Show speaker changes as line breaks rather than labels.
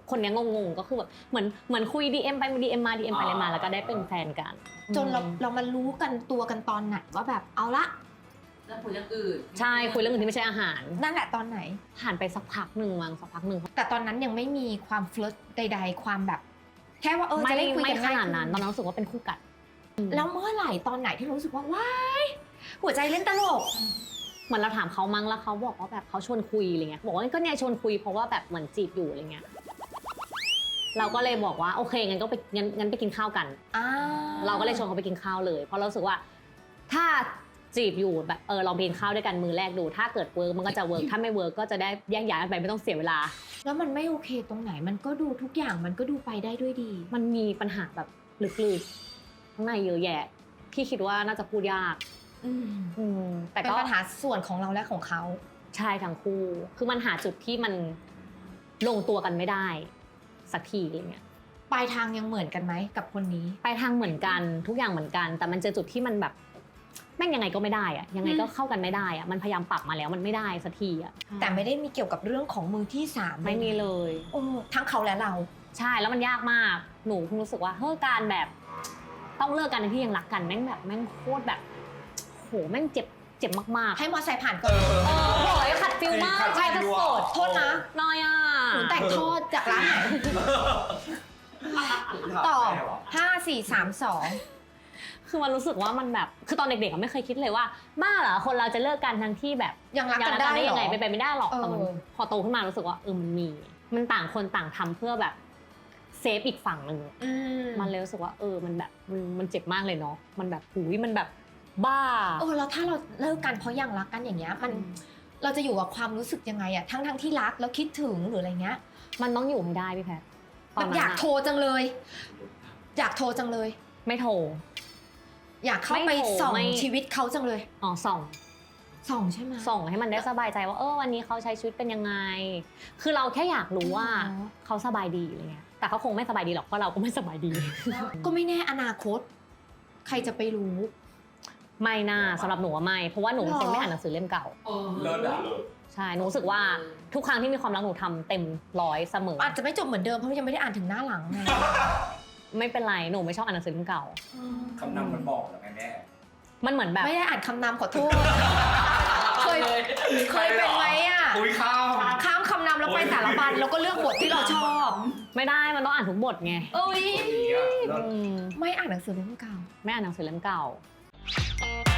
คนนี้งงๆก็คือแบบเหมือนคุย DM ไป DM มา DM ไปเลยมาแล้วก็ได้เป็นแฟนกัน
จนเรามารู้กันตัวกันตอนไหนว่าแบบเอาละ
แล้วคุยเรื่องอื่น
ใช่คุยเรื่องอื่นที่ไม่ใช่อาหาร
นั่นแหละตอนไหน
ผ่านไปสักพักหนึ่ง
แต่ตอนนั้นยังไม่มีความเฟลิร์ตใดๆความแบบแค่ว่าจะได้คุยกัน
ไม่ขนาดนั้นตอนนั้นรู้สึกว่าเป็นคู่กัด
แล้วเมื่อไหร่ตอนไหนที่รู้สึกว่าว้ายหัวใจเล่นตลก
เหมือนเราถามเขามั้งแล้วเขาบอกว่าแบบเขาชวนคุยอะไรเงี้ยบอกว่าก็เนี่ยชวนคุยเพราะว่าแบบเหมือนจีบอยู่อะไรเงี้ยเราก็เลยบอกว่าโอเคงั้นก็ไปงั้นไปกินข้าวกันเราก็เลยชวนเขาไปกินข้าวเลยเพราะเรารู้สึกว่าถ้าจีบอยู่แบบลองไปกินข้าวด้วยกันมือแรกดูถ้าเกิดเวิร์กมันก็จะเวิร์กถ้าไม่เวิร์กก็จะได้แยกย้ายกันไปไม่ต้องเสียเวลา
แล้วมันไม่โอเคตรงไหนมันก็ดูทุกอย่างมันก็ดูไปได้ด้วยดี
มันมีปัญหาแบบลึกๆข้างในเยอะแยะที่คิดว่าน่าจะพูดยาก
แต่เป็นปัญหาส่วนของเราและของเขา
ใช่ทั้งคู่คือมันหาจุดที่มันลงตัวกันไม่ได้สักทีอะไรเงี้ย
ปลายทางยังเหมือนกันไหมกับคนนี้
ปลายทางเหมือนกันทุกอย่างเหมือนกันแต่มันเจอจุดที่มันแบบแม่งยังไงก็ไม่ได้อะยังไงก็เข้ากันไม่ได้อะมันพยายามปรับมาแล้วมันไม่ได้สักทีอะ
แต่ไม่ได้มีเกี่ยวกับเรื่องของมือที่3
ไม่มีเลย
ทั้งเขาและเรา
ใช่แล้วมันยากมากหนูเพิ่งรู้สึกว่าเฮ้ยการแบบต้องเลิกกันที่ยังรักกันแม่งแบบแม่งโคตรแบบโหแม่งเจ็บมาก
ๆให้มอไซค์ผ่านก่อน
โหยขัดฟิลมากใช่จะโสด
โทษนะ
น้อยอ่ะ
หนูแต่งทอดจากร้านไหนต่อ5 4 3 2
คือมันรู้สึกว่ามันแบบคือตอนเด็กๆไม่เคยคิดเลยว่าบ้าเหรอคนเราจะเลิกกันทั้งที่แบบ
ยังรักกันได้
ยังไงไปไม่ได้หรอกแต่มันพอโตขึ้นมารู้สึกว่ามันต่างคนต่างทำเพื่อแบบเซฟอีกฝั่งนึงมันเลยรู้สึกว่ามันแบบมันเจ็บมากเลยเนาะมันแบบหูยมันแบบบ้า
แล้วถ้าเราเลิกกันเพราะยังรักกันอย่างเงี้ยมันเราจะอยู่กับความรู้สึกยังไงอะทั้งที่รักแล้วคิดถึงหรืออะไรเงี้ย
มันต้องอยู่ให้ได้พี่แพท
มันอยากโทรจังเลย
ไม่โทร
อยากเข้าไปส่องชีวิตเขาจังเลย
ส่อง
ใช่ไหม
ส่องให้มันได้สบายใจว่าวันนี้เขาใช้ชีวิตเป็นยังไงคือเราแค่อยากรู้ว่าเขาสบายดีอะไรเงี้ยแต่เขาคงไม่สบายดีหรอกเพราะเราก็ไม่สบายดี
ก็ไม่แน่อนาคตใครจะไปรู้
ไม่น่าสำหรับหนูว่าไม่เพราะว่าหนูเป็นคนไม่อ่านหนังสือเล่มเก่า
เลิศอะ
ใช่หนูรู้สึกว่าทุกครั้งที่มีความรักหนูทำเต็ม100เสมอ
อาจจะไม่จบเหมือนเดิมเพราะยังไม่ได้อ่านถึงหน้าหลังไง
ไม่เป็นไรหนูไม่ชอบอ่านหนังสือเล่มเก่า
คำนำมันบอกแล้วไงแม่
มันเหมือนแบบ
ไม่ได้อ่านคำนำขอโทษเคยเป็นไหมอ่ะข้ามคำนำแล้วไปแต่ละบันแล้วก็เลือกบทที่เราชอบ
ไม่ได้มันต้องอ่านทุกบทไง
ไม่อ่านหนังสือเล่มเก่า
ไม่อ่านหนังสือเล่มเก่า